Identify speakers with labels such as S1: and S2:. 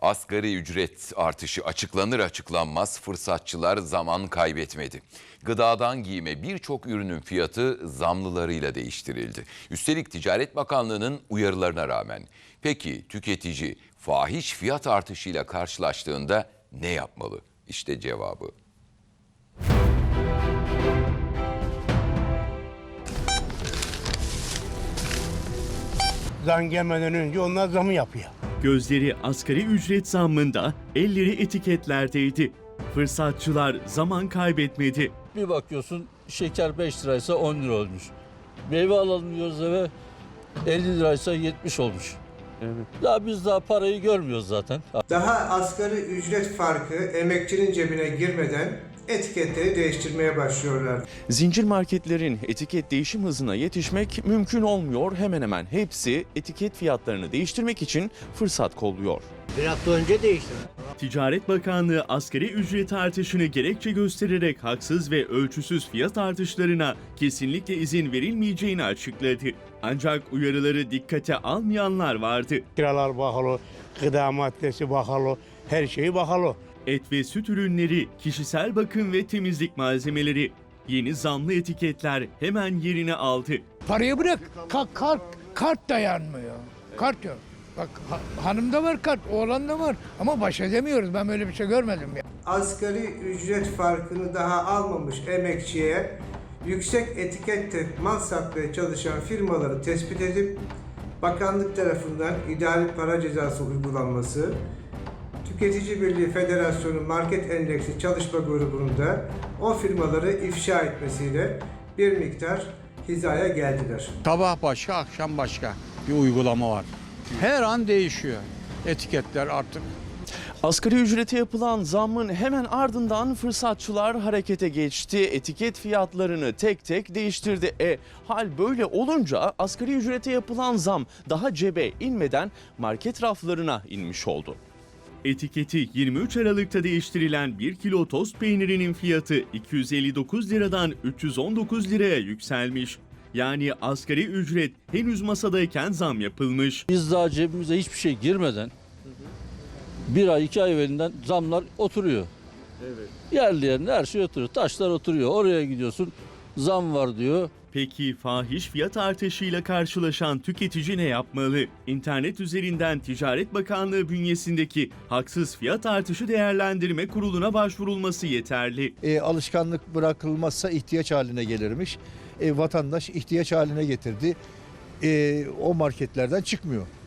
S1: Asgari ücret artışı açıklanır açıklanmaz fırsatçılar zaman kaybetmedi. Gıdadan giyime birçok ürünün fiyatı zamlılarıyla değiştirildi. Üstelik Ticaret Bakanlığı'nın uyarılarına rağmen. Peki tüketici fahiş fiyat artışıyla karşılaştığında ne yapmalı? İşte cevabı.
S2: Zam gelmeden önce onlar zamı yapıyor.
S3: Gözleri asgari ücret zammında, elleri etiketlerdeydi. Fırsatçılar zaman kaybetmedi.
S4: Bir bakıyorsun şeker 5 liraysa 10 lira olmuş. Meyve alalım diyoruz eve 50 liraysa 70 olmuş. Evet. Ya biz daha parayı görmüyoruz zaten.
S5: Daha asgari ücret farkı emekçinin cebine girmeden etiketleri değiştirmeye başlıyorlar.
S6: Zincir marketlerin etiket değişim hızına yetişmek mümkün olmuyor. Hemen hemen hepsi etiket fiyatlarını değiştirmek için fırsat kolluyor.
S2: Bir hafta önce değişti.
S3: Ticaret Bakanlığı asgari ücret artışını gerekçe göstererek haksız ve ölçüsüz fiyat artışlarına kesinlikle izin verilmeyeceğini açıkladı. Ancak uyarıları dikkate almayanlar vardı.
S2: Kiralar pahalı, gıda maddesi pahalı, her şey pahalı.
S3: Et ve süt ürünleri, kişisel bakım ve temizlik malzemeleri. Yeni zamlı etiketler hemen yerini aldı.
S7: Parayı bırak, kart dayanmıyor. Kart yok. Bak hanımda var kart, oğlanda var ama baş edemiyoruz. Ben böyle bir şey görmedim ya.
S5: Asgari ücret farkını daha almamış emekçiye yüksek etikette mal satmaya çalışan firmaları tespit edip bakanlık tarafından idari para cezası uygulanması, Tüketici Birliği Federasyonu Market Endeksi Çalışma Grubu'nda o firmaları ifşa etmesiyle bir miktar hizaya geldiler.
S8: Sabah başka, akşam başka bir uygulama var. Her an değişiyor etiketler artık.
S6: Asgari ücrete yapılan zammın hemen ardından fırsatçılar harekete geçti. Etiket fiyatlarını tek tek değiştirdi. Hal böyle olunca asgari ücrete yapılan zam daha cebe inmeden market raflarına inmiş oldu.
S3: Etiketi 23 Aralık'ta değiştirilen 1 kilo tost peynirinin fiyatı 259 liradan 319 liraya yükselmiş. Yani asgari ücret henüz masadayken zam yapılmış.
S4: Biz daha cebimize hiçbir şey girmeden bir ay 2 ay evvelinden zamlar oturuyor. Evet. Yerli yerine her şey oturuyor. Taşlar oturuyor. Oraya gidiyorsun zam var diyor.
S3: Peki fahiş fiyat artışıyla karşılaşan tüketici ne yapmalı? İnternet üzerinden Ticaret Bakanlığı bünyesindeki haksız fiyat artışı değerlendirme kuruluna başvurulması yeterli.
S9: Alışkanlık bırakılmazsa ihtiyaç haline gelirmiş. Vatandaş ihtiyaç haline getirdi. O marketlerden çıkmıyor.